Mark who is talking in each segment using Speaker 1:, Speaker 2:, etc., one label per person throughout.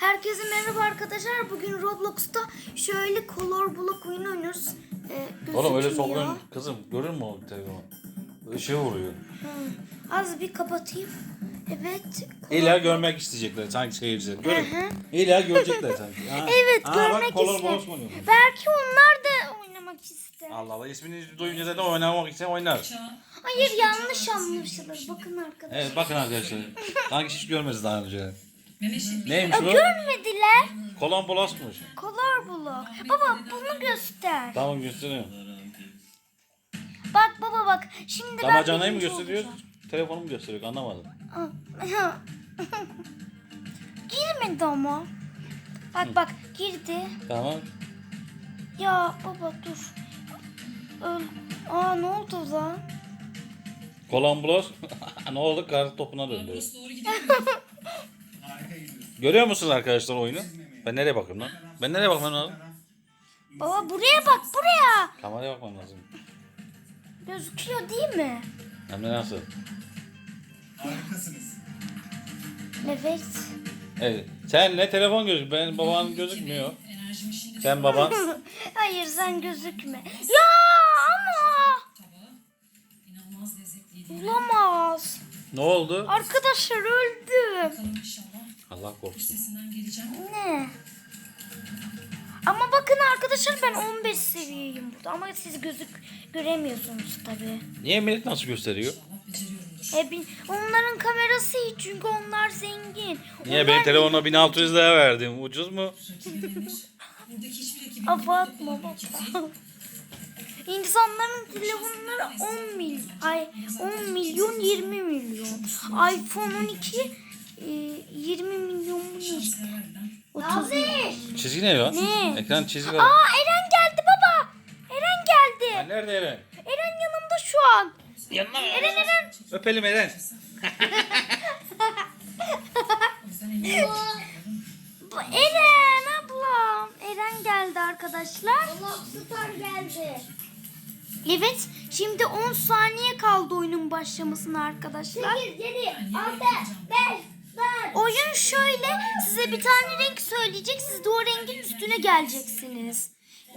Speaker 1: Herkese merhaba arkadaşlar. Bugün Roblox'ta şöyle color block oyunu oynuyoruz.
Speaker 2: Oğlum öyle
Speaker 1: Gözükmüyor.
Speaker 2: sokuyorsun kızım, görür mü o telefonu? Işığı vuruyor.
Speaker 1: Az bir kapatayım. Evet.
Speaker 2: İlla görmek isteyecekler sanki seyirciler. Görün. İlla görecekler sanki. Ha.
Speaker 1: Evet,
Speaker 2: Ha,
Speaker 1: görmek
Speaker 2: bak, kolor
Speaker 1: ister.
Speaker 2: bolos mu oynuyor?
Speaker 1: Belki onlar da oynamak ister.
Speaker 2: Allah Allah, ismini duyunca zaten oynamak için oynar.
Speaker 1: Hayır, yanlış anlaşılır. Bakın arkadaşlar.
Speaker 2: Evet, bakın arkadaşlar. Sanki hiç görmediniz daha önce. Neymiş bu?
Speaker 1: Görmediler.
Speaker 2: Kolon bolosmuş.
Speaker 1: Color block. Baba bunu göster.
Speaker 2: Tamam, gösteriyorum.
Speaker 1: Bak baba bak. Şimdi ben
Speaker 2: Damacanayı mı
Speaker 1: birinci
Speaker 2: gösteriyor?
Speaker 1: olacağım.
Speaker 2: Telefonu mu gösteriyor? Anlamadım.
Speaker 1: Girmedi ama. Bak girdi.
Speaker 2: Tamam.
Speaker 1: Ya baba dur. Ne oldu lan?
Speaker 2: Kolon bolos. Ne oldu? Kar topuna döndü. Görüyor musunuz arkadaşlar oyunu? Ben nereye bakıyorum lan? Ben nereye bakmam lazım?
Speaker 1: Baba buraya bak, buraya.
Speaker 2: Kameraya bakmam lazım.
Speaker 1: Gözüküyor değil mi?
Speaker 2: Hem de nasıl?
Speaker 3: Harikasınız.
Speaker 1: Evet.
Speaker 2: Evet. Sen ne telefon gözük? Ben baban gözükmüyor. Sen baban.
Speaker 1: Hayır, sen gözükme. Ya ama. Olamaz.
Speaker 2: Ne oldu?
Speaker 1: Arkadaşlar öldüm.
Speaker 2: Allah korusun.
Speaker 1: Ne? Ama bakın arkadaşlar, ben 15 seviyeyim burada. Ama siz göremiyorsunuz tabii.
Speaker 2: Niye millet nasıl gösteriyor?
Speaker 1: Onların kamerası iyi çünkü onlar zengin.
Speaker 2: Niye
Speaker 1: Onlar
Speaker 2: benim telefonuma 1600 lira verdim? Ucuz mu?
Speaker 1: Abartma baba. İnsanların telefonları 10 milyon 20 milyon. iPhone 12 20 milyon mu ne? 30 milyon.
Speaker 2: Çizgi ne ya?
Speaker 1: Ne?
Speaker 2: Ekran çizgi var.
Speaker 1: Eren geldi baba. Eren geldi.
Speaker 2: Ha, nerede Eren?
Speaker 1: Eren yanımda şu an.
Speaker 2: Yanına mı?
Speaker 1: Eren.
Speaker 2: Öpelim Eren.
Speaker 1: Bu Eren ablam. Eren geldi arkadaşlar. Star geldi. Evet, şimdi 10 saniye kaldı oyunun başlamasına arkadaşlar. 8, 7, 6, 5, 4. Oyun şöyle, size bir tane renk söyleyecek, siz de o rengin üstüne geleceksiniz.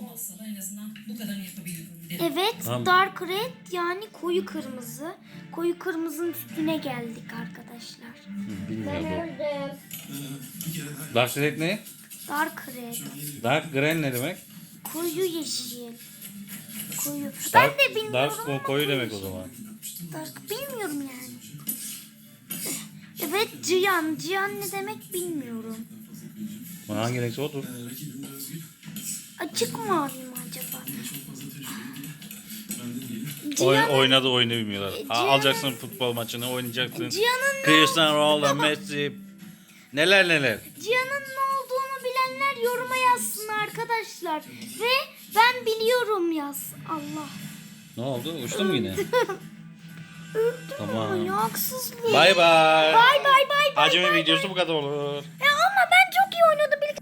Speaker 1: Evet,
Speaker 2: Tamam.
Speaker 1: dark red yani koyu kırmızı. Koyu kırmızının üstüne geldik arkadaşlar.
Speaker 2: Bilmiyorum. Dark Red ne?
Speaker 1: Dark red,
Speaker 2: Dark Green ne demek?
Speaker 1: koyu yeşil. Koyu.
Speaker 2: Dark,
Speaker 1: Ben de bilmiyorum.
Speaker 2: Dark
Speaker 1: ama
Speaker 2: koyu demek o zaman.
Speaker 1: Dark bilmiyorum yani. Evet, Cihan. Cihan ne demek bilmiyorum.
Speaker 2: Hangi renkse odur.
Speaker 1: Açık mavi mi acaba?
Speaker 2: Oynadı oyunu bilmiyorlar.
Speaker 1: Cihan'ın-
Speaker 2: Alacaksın futbol maçını, oynayacaksın.
Speaker 1: Cihan'ın
Speaker 2: Cristiano Ronaldo, Messi. Neler neler.
Speaker 1: Cihan'ın ne olduğunu bilenler yoruma yazsın arkadaşlar. Ve ben biliyorum yaz. Allah.
Speaker 2: Ne oldu? Uçtu mu yine?
Speaker 1: Öldüm
Speaker 2: Tamam.
Speaker 1: ama ya, haksızlık.
Speaker 2: Bay bay.
Speaker 1: Bay bay bay bay.
Speaker 2: Acemi
Speaker 1: bay.
Speaker 2: videosu bu kadar olur.
Speaker 1: Ya